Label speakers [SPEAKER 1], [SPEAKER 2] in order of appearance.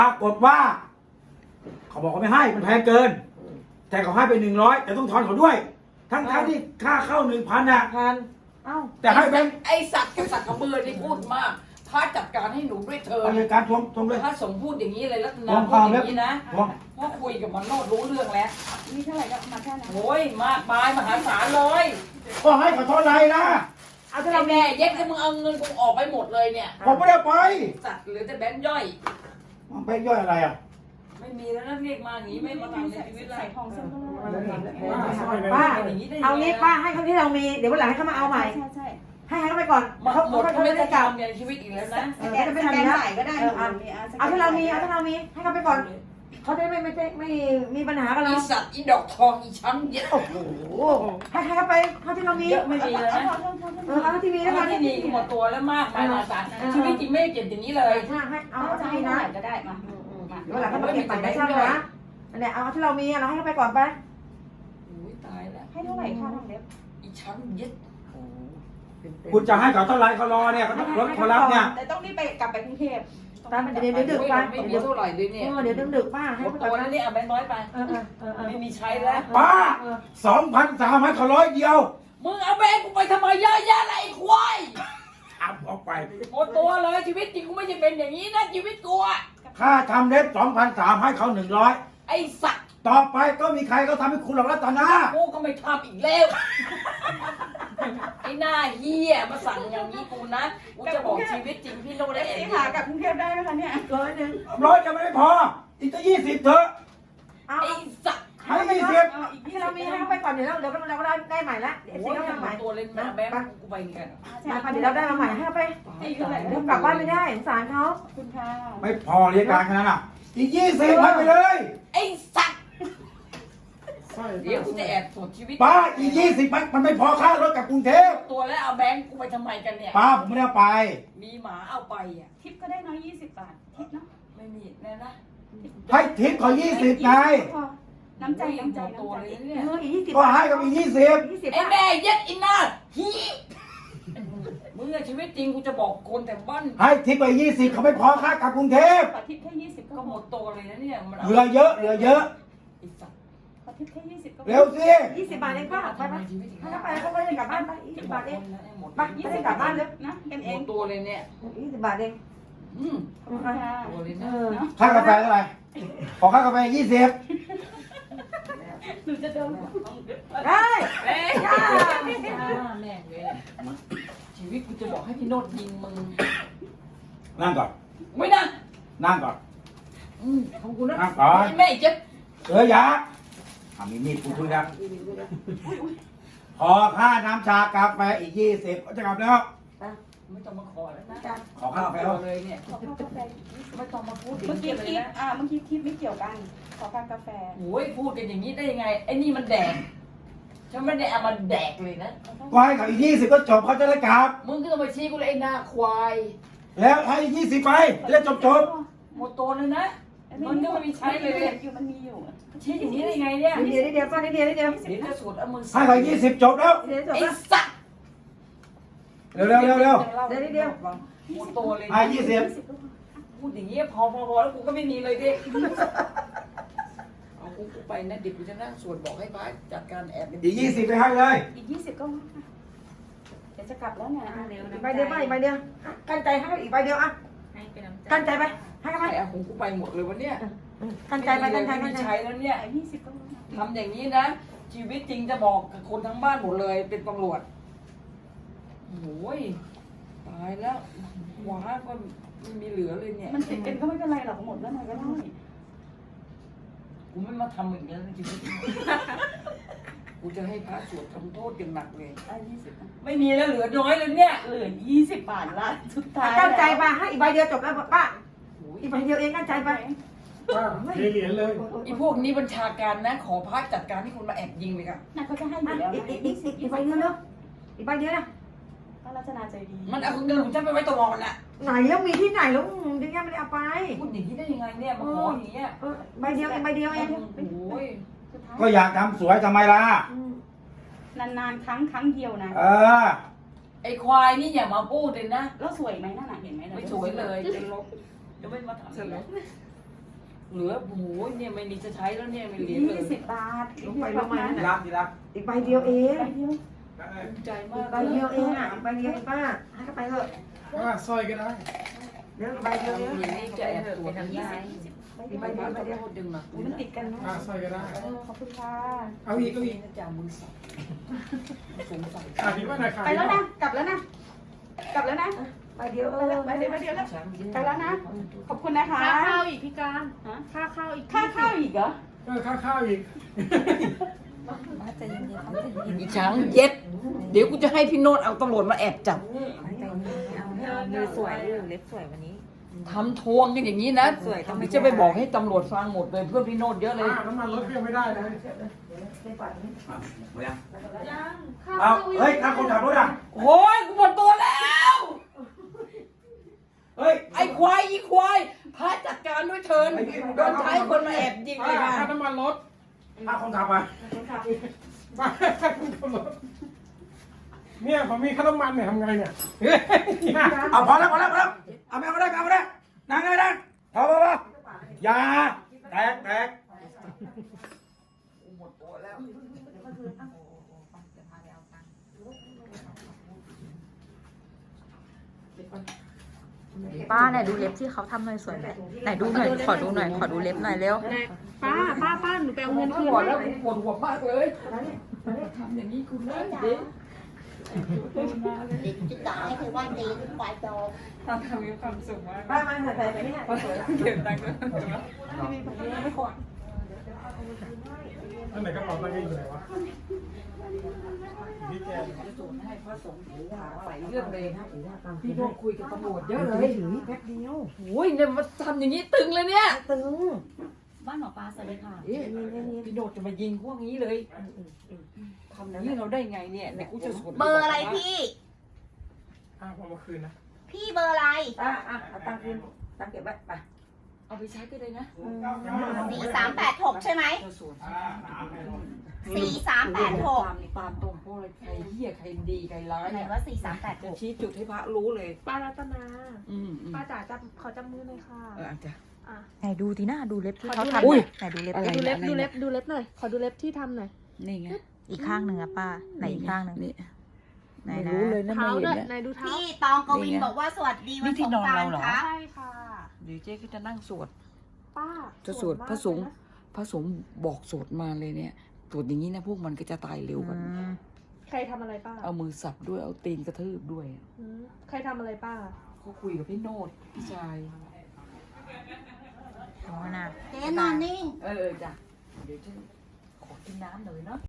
[SPEAKER 1] ปรากฏว่าเขาบอกเขาไม่ให้มันแพงเกิน แต่เขาให้ไป100แต่ต้องทอนเขาด้วย ทั้งที่ค่าเข้า1,000น่ะ
[SPEAKER 2] พันเอ้า
[SPEAKER 1] แต่ให้แบงค์
[SPEAKER 3] ไอสัตว์กับสัตว์กับเบือที่พูดมากพระจัดการให้หนูด้วยเธอ
[SPEAKER 1] เอาเลยการทวงเลย
[SPEAKER 3] พระสงฆ์พูดอย่างนี้เลยรัตนา
[SPEAKER 1] ทวงค
[SPEAKER 3] พู
[SPEAKER 1] วา
[SPEAKER 3] ด
[SPEAKER 1] ม
[SPEAKER 3] อย่างนี้นะ
[SPEAKER 1] ทวง
[SPEAKER 3] เพราะคุยกับมันโนดรู้เรื่องแล้ว
[SPEAKER 4] มีเท่าไหร่ก็มาแค่นั้น
[SPEAKER 3] โอ้ยมากมายมหาศาลเลย
[SPEAKER 1] ก็ให้เขาเท่าไหร่นะ
[SPEAKER 2] เอาถ้า
[SPEAKER 3] ไอ้
[SPEAKER 2] เรา
[SPEAKER 3] แม่เย็ดก็มึงเอาเงินกูออกไปหมดเลยเนี่ย
[SPEAKER 1] ผมไม่ได้ไป
[SPEAKER 3] สัตว์เหลือแต่แบงค์ย่อย
[SPEAKER 1] มันไปย่อยอะไรอ่ะ
[SPEAKER 3] ไม่มีแล้วนะเรียกมาอย่างนี้ไม่มาทำในชีวิตแล้ว
[SPEAKER 4] ใส่ทองเส้นก็ได้
[SPEAKER 2] ป้าเอางี้ป้าให้เขาที่เรามีเดี๋ยววันหลังให้เขามาเอาใหม่
[SPEAKER 4] ใช่
[SPEAKER 2] ให้เขาไปก่อน
[SPEAKER 3] หมด
[SPEAKER 2] เขา
[SPEAKER 3] หมด
[SPEAKER 2] เขา
[SPEAKER 3] เขาไม่
[SPEAKER 2] ไม่
[SPEAKER 3] ได้
[SPEAKER 2] ได้กลับ
[SPEAKER 3] ทำในชีวิตอีกแล้วนะ
[SPEAKER 4] แกจะไม่ทำแล้วใส่ก็ได้
[SPEAKER 2] เอาที่เรามีให้เขาไปก่อนเขาจะไม่มีปัญหากับเรา
[SPEAKER 3] อีสัตว์อีดอกทองอีช้ำเย็ด
[SPEAKER 2] โอ้โหให้เขาไปเขาที่เรามี
[SPEAKER 3] เยอะไม่มีแล้วนะ
[SPEAKER 2] เอาที่มีแล้ว
[SPEAKER 3] แล้
[SPEAKER 2] กั
[SPEAKER 3] วน ที่นี่หมดตัวแล้วมากมายมหาศาลชีวิตจริงไม่ได้เก็บอย่างนี้เลย
[SPEAKER 2] ถ้าให้เอา
[SPEAKER 4] จะ
[SPEAKER 2] ที่
[SPEAKER 4] ให้
[SPEAKER 2] มี
[SPEAKER 4] ได้
[SPEAKER 2] นะ
[SPEAKER 4] ก็ได้มา
[SPEAKER 2] เดี๋ยววันหลังเขามาเก็บใหม่ไม่ใช่นะอันเนี้ยเอาที่เรามีเราให้เขาไปก่อนไป
[SPEAKER 3] โอ้ยตายแล้ว
[SPEAKER 4] ให้เท่าไหร่ค่าทำเล็บ
[SPEAKER 3] อีช้ำเย็ด
[SPEAKER 1] คุณจะให้เขาเท่าไหร่เขารอเนี่ยเขารถเขารับเนี่ย
[SPEAKER 4] แต่ต้องรีบไปกลับไปกรุงเทพ
[SPEAKER 2] ป้ามันเดี๋ยวดึกๆป้า
[SPEAKER 3] ไม่มีเท่าไหร่เลยเนี่ย
[SPEAKER 2] เดี๋ยวดึกๆป้า
[SPEAKER 3] ห
[SPEAKER 2] ให้
[SPEAKER 3] มด
[SPEAKER 2] ไป
[SPEAKER 3] ตั
[SPEAKER 2] ก่
[SPEAKER 3] ว
[SPEAKER 2] อน
[SPEAKER 3] แล้ว
[SPEAKER 2] นะ
[SPEAKER 3] เนี่ยเอาแบงค์น้อยไป ไม่มีใช้แล้ว
[SPEAKER 1] ป้า2,300ให้เขา100เดียว
[SPEAKER 3] มึงเอาแบงค์กูไปทำไมเยอะแยะเลยไอ้ควาย
[SPEAKER 1] ทำออกไป
[SPEAKER 3] หมดตัวเลยชีวิตจริงกูไม่ใช่เป็นอย่างนี้นะชีวิตกูอะ
[SPEAKER 1] ค่าทำเล็บ2,300ให้เขา100
[SPEAKER 3] ไอ้สัตว์
[SPEAKER 1] ต่อไปก็มีใครเขาทำให้คุณหรอกรัตนา
[SPEAKER 3] กูก็ไม่ทำอีกแล้วไอ้หน้าเหี้ยมาสั่งอย่างนี้กูนะกูจะบอกชีวิตจริงพี่โน้ตได้
[SPEAKER 4] เอ
[SPEAKER 3] เอง
[SPEAKER 4] หากลับกรุงเทพได้ไหมคะเนี่ย
[SPEAKER 2] 100
[SPEAKER 1] 100จะไม่พอ อีกจะ20เถอะ
[SPEAKER 2] เอา
[SPEAKER 3] ไอ้สัตว์
[SPEAKER 1] ให้20
[SPEAKER 4] อีก
[SPEAKER 2] ที่เรามีให้เขาไปก่อนเดี๋ยวเราก็ได้ใหม่ละเดี๋ยว
[SPEAKER 3] โอ้
[SPEAKER 2] สิ
[SPEAKER 3] ย
[SPEAKER 2] เขาทำใหม่
[SPEAKER 3] ตัวเล่นมาแบงค์กูไปกัน
[SPEAKER 2] มาเดี๋ยวเราได้มาใหม่ให้เขาไป
[SPEAKER 4] ให้เท่าไหร่
[SPEAKER 2] เดี๋ยวกลับบ้านไม่ได้สงสารเขา
[SPEAKER 4] คุณค่ะ
[SPEAKER 1] ไม่พอเรียกการขนาดนั้นอ่ะ อีก20ให้ไปเลย
[SPEAKER 3] ไอ้สัตว์เดี๋ยวกูจะแอบตรวจชีวิต
[SPEAKER 1] ป้าอีก20มันไม่พอค่ารถกลับกรุงเทพ
[SPEAKER 3] ตัวแล้วเอาแบงค์กูไปทำไมกันเนี่ย
[SPEAKER 1] ป้าผมไม่ได้เอาไป
[SPEAKER 3] มีหมาเอาไปอ่ะ
[SPEAKER 4] ทิปก็ได้น้อย20 บาททิปเนาะ
[SPEAKER 3] ไม่มีแน่นะ
[SPEAKER 1] ให้ทิปเขา20ไง
[SPEAKER 4] น้ำใจน้ำใจ
[SPEAKER 3] ตัว
[SPEAKER 4] น้ำใจ
[SPEAKER 3] เลยเนี่ย
[SPEAKER 2] อีก20
[SPEAKER 1] ก็ให้กับอีก20
[SPEAKER 2] 20
[SPEAKER 3] ไอ้แม่เย็ดอินนาฮีมึงอะชีวิตจริงกูจะบอกคนแต่บ้าน
[SPEAKER 1] ให้ทิปไป20เขาไม่พอค่ากลับกรุงเทพ
[SPEAKER 4] ขอทิปแค่20ก็
[SPEAKER 3] ก็
[SPEAKER 4] ห
[SPEAKER 3] ห
[SPEAKER 4] ม
[SPEAKER 3] ม
[SPEAKER 4] ด
[SPEAKER 3] ดตัวเลยนะเนี่ยมัน
[SPEAKER 1] เหลือเยอะเหลือเยอะ
[SPEAKER 3] ไอ้สัตว์
[SPEAKER 4] ขอทิปแค่20ก็
[SPEAKER 1] เร็วสิ
[SPEAKER 2] 20 บาทเองป้าไปไปให้เขาไปเขาก็ได้กลับบ้านไป20 บาทเอง
[SPEAKER 3] หมด
[SPEAKER 2] ไปไม่ได้กลับบ้านเลย
[SPEAKER 4] นะกัน
[SPEAKER 3] ห
[SPEAKER 4] เอ
[SPEAKER 3] ม
[SPEAKER 4] ง
[SPEAKER 3] ดตัวเลยเนี่ย
[SPEAKER 2] 20 บาทเอง
[SPEAKER 3] อืม
[SPEAKER 4] ขอบคุณค่ะ
[SPEAKER 3] ตัวเลย
[SPEAKER 2] เอ
[SPEAKER 3] นะ
[SPEAKER 2] อ
[SPEAKER 1] ค่ากาแฟเท่าไหร่ขอค่ากาแฟ20
[SPEAKER 4] หนูจะโดน
[SPEAKER 2] ได้
[SPEAKER 3] เอ้ยแม่งเลยชีวิตกูจะบอกให้พี่โนดยิงมึง
[SPEAKER 1] นั่งก่อน
[SPEAKER 3] ไม่นั่ง
[SPEAKER 1] นั่งก่อน
[SPEAKER 3] ของกูนะ
[SPEAKER 1] นั่งก่อน
[SPEAKER 3] แม่เจ็บ
[SPEAKER 1] ยามีมีดกูคุยกันพอค่าน้ำชากาแฟอีก20ก็จะกลับแล้ว
[SPEAKER 3] ไม่ต้องมาขอแล้วนะ
[SPEAKER 1] ขอค่ากาแฟ
[SPEAKER 3] เลยเนี่ย
[SPEAKER 4] ขอค่ากาแฟ
[SPEAKER 3] ไม่ต้องมาพูด
[SPEAKER 4] เมื่อกี้ทิปเมื่อกี้ทิปไม่เกี่ยวกัน ขอค่ากาแฟ
[SPEAKER 3] โอ้ยพูดกันอย่างนี้ได้ยังไงไอ้นี่มันแดกฉันไม่ได้เอามาแดกเลยนะ
[SPEAKER 1] ก็ให้กับอีก20ก็จบเขาจะได้กลับ
[SPEAKER 3] มึงก็ต้องไปชี้กูเลยไอ้หน้าควาย
[SPEAKER 1] แล้วให้อีก20ไปจะได้จบ
[SPEAKER 3] หมดตัวเลยนะมันก็ไม่มีใช้เลย
[SPEAKER 4] อยู่มันมีอยู่
[SPEAKER 3] ชี้อย่างนี้ได้ยังไงเนี่ย
[SPEAKER 2] นิดเดียวป้านิดเดียว
[SPEAKER 3] เดี๋ยวจะสวดเอามือ
[SPEAKER 1] ให้เขา20จบแล้ว
[SPEAKER 2] เดี๋ยวจบ
[SPEAKER 3] ไอ้
[SPEAKER 2] แล้ว
[SPEAKER 3] สัตว์
[SPEAKER 1] เร็ว
[SPEAKER 3] หมดตัวเลย
[SPEAKER 1] ให้20
[SPEAKER 3] พูดอย่างนี้พอแล้วกูก็ไม่มีเลยดิเอากูไปนะเดี๋ยวกูจะนั่งสวดบอกให้พระจัดการแอบ
[SPEAKER 1] อีก20ไปให้เลย
[SPEAKER 4] อีก20ก็เดี๋ยวจะกลับแล้วเนี่ย
[SPEAKER 2] ใบเดียวป้าอีกใบเดียวกั้นใจให้อีกใบเดียวอ่ะกั้นใจไปให้เขาไป
[SPEAKER 3] ไอ้ของกูไปหมดเลยวันเนี้ย
[SPEAKER 2] กั้นใจไปกั้นใจ
[SPEAKER 3] ไม่
[SPEAKER 2] กั้นใจ
[SPEAKER 3] ใช้แล้วเนี่ย
[SPEAKER 4] 20ก็
[SPEAKER 3] ทำอย่างนี้นะ ชีวิตจริงจะบอกกับคนทั้งบ้านหมดเลยเป็นตำรวจโอ้ยตายแล้วว้าก็ไม่มีเหลือเลยเนี่ย
[SPEAKER 4] มันติดกันก็ไม่เป็นไรหรอกหมดแล้วไงก็ได้
[SPEAKER 3] กูไม่มาทำอย่างนี้ในชีวิตกูจะให้พระสวดทำโทษกันหนักเลย
[SPEAKER 4] 20
[SPEAKER 3] ไม่มีแล้วเหลือน้อยเลยเนี่ย
[SPEAKER 4] เหลือ20 บาทละสุดท้าย
[SPEAKER 2] กั้นใจไปให้อีกใบเดียวจบแล้วป้า
[SPEAKER 3] โอ้ย
[SPEAKER 2] อีกใบเดียวเองกั้นใจไป
[SPEAKER 1] เทเหรียญเลย
[SPEAKER 3] ไอ้พวกนี้บัญชาการนะ ขอพระจัดการให้คนมาแอบยิงเลยค่ะ
[SPEAKER 4] น่าเขาจะให้อยู่แล้ว
[SPEAKER 2] อีกใบเดียวเนาะอีกใบเดียวนะ
[SPEAKER 4] ก็รัชนาใจดี
[SPEAKER 3] มันเอาเงินของฉันไปไว้ตลอดน่ะ
[SPEAKER 2] ไหนแล้วมีที่ไหนแล้วดึงยังไม่ได้เอาไป
[SPEAKER 3] พูดอย่างนี้ได้ยังไงเนี่ยมาขออย่างเงี้ย
[SPEAKER 2] ใบเดียวเองใบเดียวเอง
[SPEAKER 3] โอ้ย
[SPEAKER 4] สุดท้าย
[SPEAKER 1] ก็อยากทำสวยทำไมล่ะ
[SPEAKER 4] นานๆครั้งเดียวนะ
[SPEAKER 1] เออ
[SPEAKER 3] ไอ้ควายนี่อย่ามาพูดเลยนะ
[SPEAKER 4] แล้วสวยไหมนั่นน่ะเห็นไหม
[SPEAKER 3] ไม่สวยเลยจะลบจะไม่มาถามเลยเหลือโอ้โหเนี่ยไม่มีจะใช้แล้วเนี่ยไม่เหลือเลย
[SPEAKER 4] 20 บาท
[SPEAKER 2] ลงไปลงมา
[SPEAKER 1] ทีรักทีรัก
[SPEAKER 2] อีกใบเดียวเอง
[SPEAKER 4] ใบเดียว
[SPEAKER 3] ภูมิใจมา
[SPEAKER 2] อี
[SPEAKER 3] ก
[SPEAKER 2] กใบเดียวเองอ่ะอีกใบเดียวป้าให้เขาไปเถอะ
[SPEAKER 5] สร้อยก็ได้
[SPEAKER 2] เดี๋ยวใบเดียวเอง
[SPEAKER 3] อย่างนี้จะแอบตรวจยังไง
[SPEAKER 2] อีกใบเดียว
[SPEAKER 3] ข
[SPEAKER 2] ใบ
[SPEAKER 3] อ
[SPEAKER 2] เดียว
[SPEAKER 3] โทษดึงหนัก
[SPEAKER 4] มันติดกันเนาะ
[SPEAKER 5] สร้อยก็ได้
[SPEAKER 4] ขอบคุณค่ะ
[SPEAKER 5] เอาอีกเอาอีก
[SPEAKER 3] จะมือสั่นสงสัย
[SPEAKER 5] พี่ว่าหน่อยค่ะ
[SPEAKER 4] ไปแล้วนะ กลับแล้วนะ กลับแล้วนะ
[SPEAKER 2] ใบเดียว
[SPEAKER 4] ไปเดี๋ยวแล้ว ไปแล้วนะ ขอบคุณนะคะ
[SPEAKER 6] ค่าข้าวอีกพี่การ
[SPEAKER 4] ฮะ
[SPEAKER 6] ค่าข้าวอีก
[SPEAKER 4] ค่าข้าวอีกเหรอ
[SPEAKER 5] ข้าวอีก
[SPEAKER 3] อีช้างเย็ดเดี๋ยวกูจะให้พี่โนดเอาตำรวจมาแอบจับ
[SPEAKER 7] มือสวยเล็บสวยวันนี้
[SPEAKER 3] ทำทวงกันอย่างนี้นะจะไปบอกให้ตำรวจฟังหมดเลยเพื่อนพี่โนดเยอะเลย
[SPEAKER 5] น้ำมันรถก็ยังไม่ได้เลย
[SPEAKER 1] หมดยัง
[SPEAKER 6] ยังค่า
[SPEAKER 1] เอา
[SPEAKER 6] ข้าวอีก
[SPEAKER 1] เฮ้ยถ้าคนขับรถอ่ะ
[SPEAKER 3] โอ้ยกูหมดตัวแล้ว
[SPEAKER 1] เฮ้ย
[SPEAKER 3] ไอ้ควายอีควายพาจัดการด้วยเถินโดนใช้คนมาแอบยิงเลยค่ะ
[SPEAKER 5] ค่าน้ำมันรถ
[SPEAKER 1] ถ้าคนขับอ่ะ
[SPEAKER 5] ค่าน้ำมันรถเนี่ยผมมีค่าน้ำมันเนี่ยทำไงเนี่ย
[SPEAKER 1] เอาพอแล้วพอแล้วพอแล้วเอาไม่เอาไม่ได้เอาไม่ได้นั่งไม่ได้พออย่าแตกแตก
[SPEAKER 7] ป้าไหนดูเล็บที่เขาทำหน่อยสวยไหมไหนดูหน่อยขอดูหน่อยขอดูเล็บหน่อยเร็ว
[SPEAKER 6] ป้าหนูไปเอาเงินคืน
[SPEAKER 3] ปวด
[SPEAKER 6] ให้
[SPEAKER 3] แล้วปวดหัวมากเลยทำอย่างนี้คุณนะเด็ก
[SPEAKER 8] จะด่าให้เธอว่าตีควายจอม
[SPEAKER 3] ทำมีความสุขมาก
[SPEAKER 2] ป้ามาใส่ไปนี่
[SPEAKER 3] เก็บตังค์ด้วย
[SPEAKER 5] อันไหนกระเป๋าตังค์อยู่ไหนวะพี่แก
[SPEAKER 3] จะส่งให้พระสงฆ์ถือว่าใส่เรื่องเลยนะพี่โนดคุยกับตำรวจเยอะเลย
[SPEAKER 2] ถือแป๊บเดียว
[SPEAKER 3] โอ้ยเนี่ยมาทำอย่างนี้ตึงเลยเนี่ย
[SPEAKER 2] ตึง
[SPEAKER 4] บ้านหมอปลาสวัสดีค่ะ
[SPEAKER 3] เอ๊ะพี่โนดจะมายิงพวกนี้เลยทำอย่างนี้เราได้ไงเนี่ยเดี๋ยวกูจะสวน
[SPEAKER 8] เบอร์อะไรพี่
[SPEAKER 5] ผมมาคืนนะ
[SPEAKER 8] พี่เบอร์อะไร
[SPEAKER 2] ป้าอ่ะเอาตังค์คืนตังค์เก็บไว้ไป
[SPEAKER 3] เอาไปใช้ก็ได้นะ
[SPEAKER 8] 4386 ใช่ไหม
[SPEAKER 3] จะสวน
[SPEAKER 8] 4386
[SPEAKER 3] ตามตรงเพราะอะไรใครเหี้ยใครดีใครร้าย
[SPEAKER 8] ไหน
[SPEAKER 3] เนี่ย
[SPEAKER 8] ว่า
[SPEAKER 3] จะชี้จุดให้พระรู้เลย
[SPEAKER 6] ป้ารัตนา
[SPEAKER 3] อืม
[SPEAKER 6] ป้าจ๋าจับขอจับมือหน่อยค่ะ
[SPEAKER 3] อาจจะ
[SPEAKER 6] อ่ะ
[SPEAKER 7] ไหนดูทีหน้าดูเล็บที่เขา
[SPEAKER 3] อุ้
[SPEAKER 7] ทำ
[SPEAKER 3] ย
[SPEAKER 7] ไหนดูเล็บ
[SPEAKER 3] อะไร
[SPEAKER 6] ดูเล็บดูเล็บดูเล็บหน่อย ขอดูเล็บที่ทำหน่อย
[SPEAKER 3] นี่ไง
[SPEAKER 7] อีกข้างหนึ่งอะป้าไหนอีกข้างหนึ่ง
[SPEAKER 3] นี่
[SPEAKER 7] ไหน
[SPEAKER 3] ไม่
[SPEAKER 7] นะ
[SPEAKER 3] รู้เลยนะไม่
[SPEAKER 6] เท้า
[SPEAKER 3] เห็น
[SPEAKER 6] ด้วย
[SPEAKER 3] แล้ว
[SPEAKER 6] ไหนดูเท้า
[SPEAKER 8] พี่ตองกวินบอกว่าสวัสดีวันสงกรานต์ครับ
[SPEAKER 6] ใช่ค่ะ
[SPEAKER 3] เดี๋ยวเจ๊ก็จะนั่งสวด
[SPEAKER 6] ป้า
[SPEAKER 3] จะสวดพระสงฆ์พระสงฆ์บอกสวดมาเลยเนี่ยตรวจอย่างนี้นะพวกมันก็จะตายเร็วกัน
[SPEAKER 6] ใครทำอะไรป้า
[SPEAKER 3] เอามือสับด้วยเอาตีนกระทืบด้วย
[SPEAKER 6] อืมใครทำอะไรป้า
[SPEAKER 3] เขาคุยกับพี่โนดพี่ชาย
[SPEAKER 7] อ๋อนะ
[SPEAKER 8] เจ๊นอนนิ่ง
[SPEAKER 3] เออจ้ะเดี๋ยวฉันขอกินน้ำหน่อยเนาะ